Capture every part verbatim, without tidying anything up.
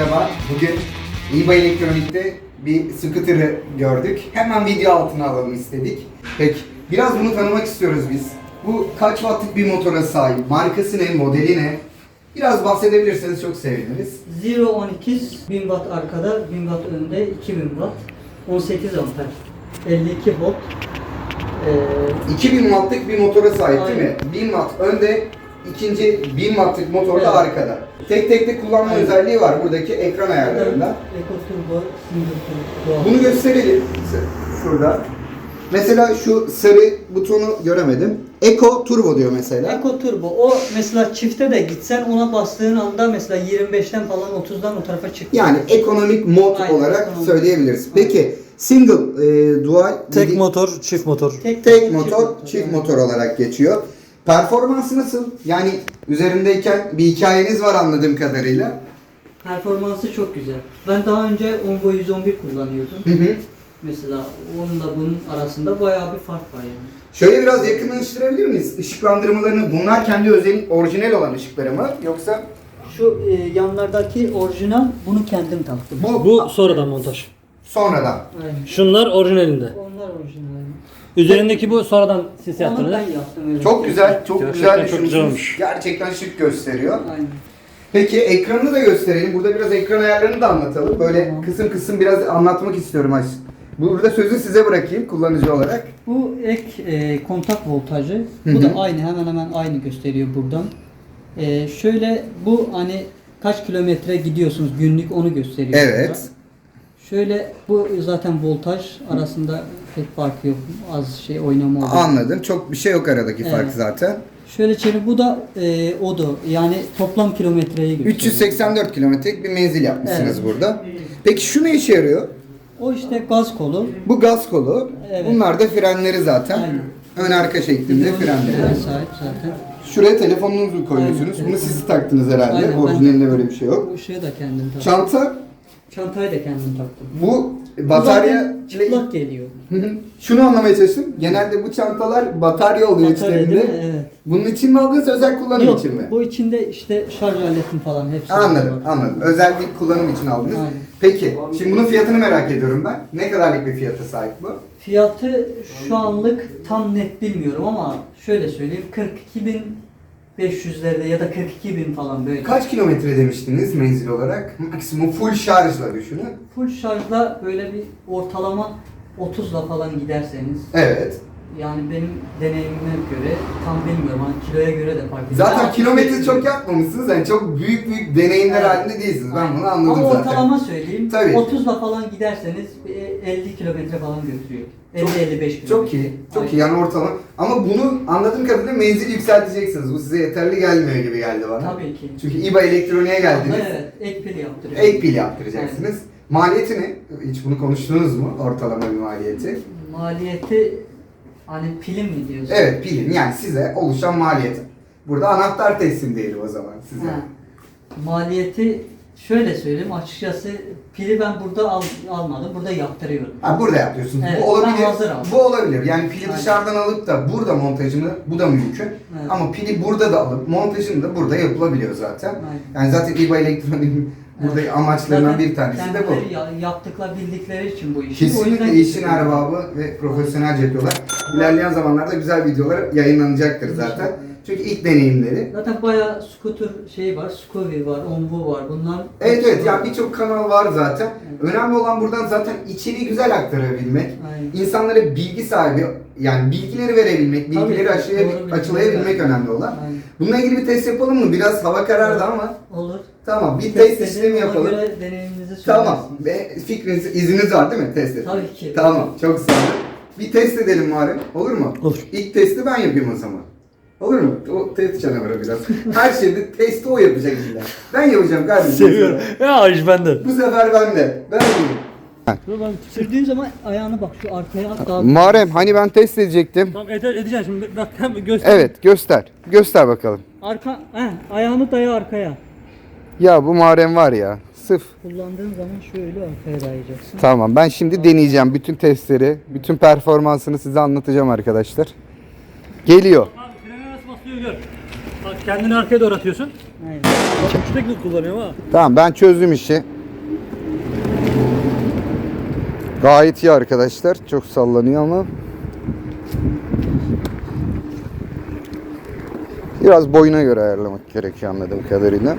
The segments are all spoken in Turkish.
merhaba. Bugün İBA Elektronik'te bir scooter'ı gördük. Hemen video altına alalım istedik. Peki, biraz bunu tanımak istiyoruz biz. Bu kaç wattlık bir motora sahip? Markası ne? Modeli ne? Biraz bahsedebilirseniz çok seviniriz. Zero on iki bin watt arkada, bin watt önde, iki bin watt, on sekiz amper, elli iki volt. Ee, iki bin wattlık bir motora sahip değil mi? Aynen. bin watt önde, ikinci bin wattlık motor da Evet. arkada. Tek tek de kullanma Aynen. özelliği var buradaki ekran ayarlarında. Eco Turbo, Single Turbo. Bunu gösterelim şurada. Mesela şu sarı butonu göremedim. Eco Turbo diyor mesela. Eco Turbo, o mesela çifte de gitsen ona bastığın anda mesela yirmi beşten falan otuzdan o tarafa çıkıyor. Yani ekonomik mod Aynen, olarak ekonomik. söyleyebiliriz. Peki single, e, dual, Tek dedi- motor, çift motor. tek, tek motor, çift yani. motor olarak geçiyor. Performansı nasıl? Yani üzerindeyken bir hikayeniz var anladığım kadarıyla. Performansı çok güzel. Ben daha önce Onvo yüz on bir kullanıyordum. Hı hı. Mesela onunla bunun arasında bayağı bir fark var yani. Şöyle biraz yakınlaştırabilir miyiz? Işıklandırmalarını, bunlar kendi özel, orijinal olan ışıkları mı? Yoksa Şu e, yanlardaki orijinal, bunu kendim taktım. bu, Bu sonradan montaj. sonradan. Aynen. Şunlar orijinalinde. Onlar orijinal. Üzerindeki bu sonradan siz Onu yaptınız. ben yaptım öyle. Çok güzel, çok Gerçekten güzel çok düşünmüşsünüz. güzel olmuş. Gerçekten şık gösteriyor. Aynen. Peki ekranını da gösterelim. Burada biraz ekran ayarlarını da anlatalım. Böyle Tamam. kısım kısım biraz anlatmak istiyorum aslında. Burada sözü size bırakayım kullanıcı olarak. Bu ek e, kontak voltajı. Hı Bu hı. da aynı, hemen hemen aynı gösteriyor buradan. E, şöyle bu hani kaç kilometre gidiyorsunuz günlük onu gösteriyor. Evet. burada. Şöyle bu zaten voltaj arasında pek fark yok. Az şey oynama oluyor. Anladım. Çok bir şey yok aradaki Evet. fark zaten. Şöyle çevir, bu da e, odo, yani toplam kilometreyi gösteriyor. üç yüz seksen dört kilometrelik bir menzil yapmışsınız Evet. burada. Peki şu ne işe yarıyor? O işte gaz kolu. Bu gaz kolu. Evet. Bunlar da frenleri zaten. Aynen. Ön arka şeklinde Frene frenleri. sahip zaten. Şuraya telefonunuzu koyuyorsunuz. Aynen. Bunu siz taktınız herhalde. Aynen, ben- Orijinalinde böyle bir şey yok. Bu ışığı da kendim taktım. Çanta, Çantayı da kendim taktım. bu Bu batarya... zaten çıplak geliyor. Hı hı. Şunu anlamaya çalıştım. Genelde bu çantalar batarya oluyor Batarya değil içlerinde. mi? Evet. Bunun için mi aldınız, özel kullanım Yok, için mi? bu içinde işte şarj aletim falan hepsi Anladım, var. anladım. Özel bir kullanım için aldınız. Aynen. Peki, şimdi bunun fiyatını merak ediyorum ben. Ne kadarlık bir fiyata sahip bu? Fiyatı şu anlık tam net bilmiyorum ama şöyle söyleyeyim, kırk iki bin beş yüzlerde ya da kırk iki bin falan böyle. Kaç kilometre demiştiniz menzil olarak? Maksimum full şarjla düşünün. Full şarjla böyle bir ortalama otuzla falan giderseniz, Evet. yani benim deneyimime göre tam bilmiyorum, hani kiloya göre de fark ediyor. Zaten Ama kilometre otuz çok yapmamışsınız. Yani çok büyük büyük deneyimler Evet. halinde değilsiniz. Ben bunu Aynen. anladım Ama zaten. ortalama söyleyeyim. Tabii. otuzla falan giderseniz e, elli kilometre falan götürüyor. elli elli beş kilometre. Çok iyi, çok Aynen. iyi yani ortalama. Ama bunu anladığım kadarıyla menzil yükselteceksiniz. Bu size yeterli gelmiyor gibi geldi bana. Tabii ki. Çünkü İBA Elektronik'e geldiniz. Evet, ek pil yaptırıyor. Ek pil yaptıracaksınız. Maliyeti ne? Hiç bunu konuştunuz mu? Ortalama bir maliyeti. Maliyeti hani pilim mi diyorsun? Evet, pilin yani size oluşan maliyet. Burada anahtar teslim değil o zaman size. Ha. Maliyeti şöyle söyleyeyim, açıkçası pili ben burada al, almadım, burada yaptırıyorum. Ha, burada yapıyorsunuz. Evet, bu olabilir. ben hazır aldım. Bu olabilir. Yani pili Aynen. dışarıdan alıp da burada montajını, bu da mümkün. Evet. Ama pili burada da alıp montajını da burada yapılabiliyor zaten. Aynen. Yani zaten İBA Elektronik'in buradaki Evet. amaçlarından Zaten bir tanesi de bu. kendileri ya- yaptıkla bildikleri için bu işi. O Kesinlikle yüzden işin getiriyorum. erbabı ve profesyonelce yapıyorlar. İlerleyen zamanlarda güzel videolar yayınlanacaktır zaten. Çünkü ilk deneyimleri. Zaten bayağı scooter şey var, Scooby var, Onvo var. Bunlar Evet evet yani birçok kanal var zaten. Önemli olan buradan zaten içeriği güzel aktarabilmek. Aynen. İnsanlara bilgi sahibi yani bilgileri verebilmek, bilgileri Tabii, aşıya, doğru bilgiler açılayabilmek vermek. önemli olan. Aynen. Bununla ilgili bir test yapalım mı? Biraz hava karardı ama Olur. tamam bir Test test edin, işlemi ona yapalım. göre deneyiminizi Tamam söylersiniz. ve fikriniz, izniniz var değil mi test edin? Tabii ki. Tamam çok sağ olun. Bir test edelim Muharrem. Olur mu? Olur. İlk testi ben yapayım o zaman. Olur mu? O test canavarı biraz. Her şeyde testi o yapacak illa. Ben yapacağım kardeşim. Seviyorum. Ya iş bende. Bu sefer ben de. Ben yapayım. Sürdüğün zaman ayağını bak şu arkaya at daha. Muharrem hani ben test edecektim. Tamam ede- edeceğim şimdi. Bak hem göster. Evet göster. Göster bakalım. Arka, he, ayağını daya arkaya. Ya bu Muharrem var ya. Sıf. Kullandığın zaman şöyle arkaya dayayacaksın. Tamam ben şimdi deneyeceğim bütün testleri, bütün performansını size anlatacağım arkadaşlar. Geliyor. Abi frene nasıl basıyor gör. Bak kendini arkaya doğru atıyorsun. Aynen. Bak üç teknik kullanıyorum ha. Tamam ben çözdüm işi. Gayet iyi arkadaşlar. Çok sallanıyor ama biraz boyuna göre ayarlamak gerekiyor anladığım kadarıyla.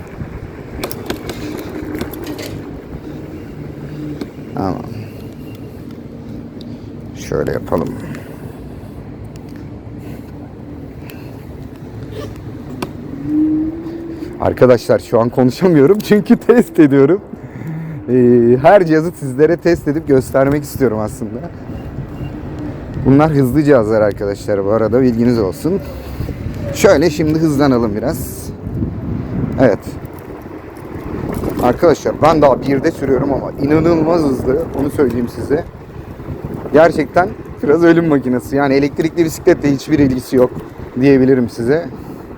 Tamam. Şöyle yapalım. Arkadaşlar şu an konuşamıyorum çünkü test ediyorum. Ee, her cihazı sizlere test edip göstermek istiyorum aslında. Bunlar hızlı cihazlar arkadaşlar, bu arada bilginiz olsun. Şöyle şimdi hızlanalım biraz. Evet. Arkadaşlar ben daha birde sürüyorum ama inanılmaz hızlı. Onu söyleyeyim size. Gerçekten biraz ölüm makinesi. Yani elektrikli bisikletle hiçbir ilgisi yok diyebilirim size.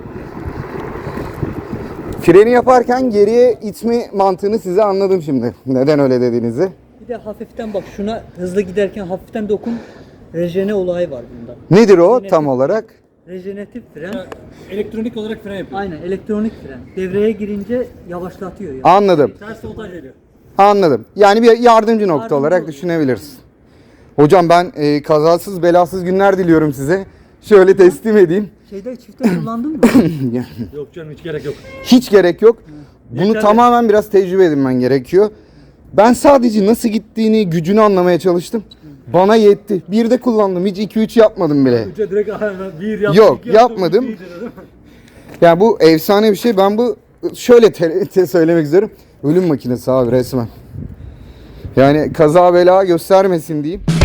Freni yaparken geriye itme mantığını size anladım şimdi. Neden öyle dediğinizi. Bir de hafiften bak şuna, hızlı giderken hafiften dokun. Rejene olayı var bunda. Nedir o Rejenetif- tam olarak? Rejenetif fren. Ya, elektronik olarak fren yapıyor. Aynen, elektronik fren. Devreye girince yavaşlatıyor yani. Anladım. Ters voltaj veriyor. Anladım. Yani bir yardımcı nokta Yardımcı olarak oluyor. düşünebiliriz. Hocam ben e, kazasız belasız günler diliyorum size. Şöyle teslim edeyim. Şeyde çifte kullandın mı? Yok canım hiç gerek yok. Hiç gerek yok. Bunu Yeterli. tamamen biraz tecrübe edinmen gerekiyor. Ben sadece nasıl gittiğini, gücünü anlamaya çalıştım. Bana yetti. Bir de kullandım. Hiç iki üç yapmadım bile. Üçe direkt bir yaptım. Yok, iki yaptım, yapmadım. iki dedim. Yani bu efsane bir şey. Ben bu şöyle te- te- söylemek istiyorum. Ölüm makinesi abi resmen. Yani kaza bela göstermesin diyeyim.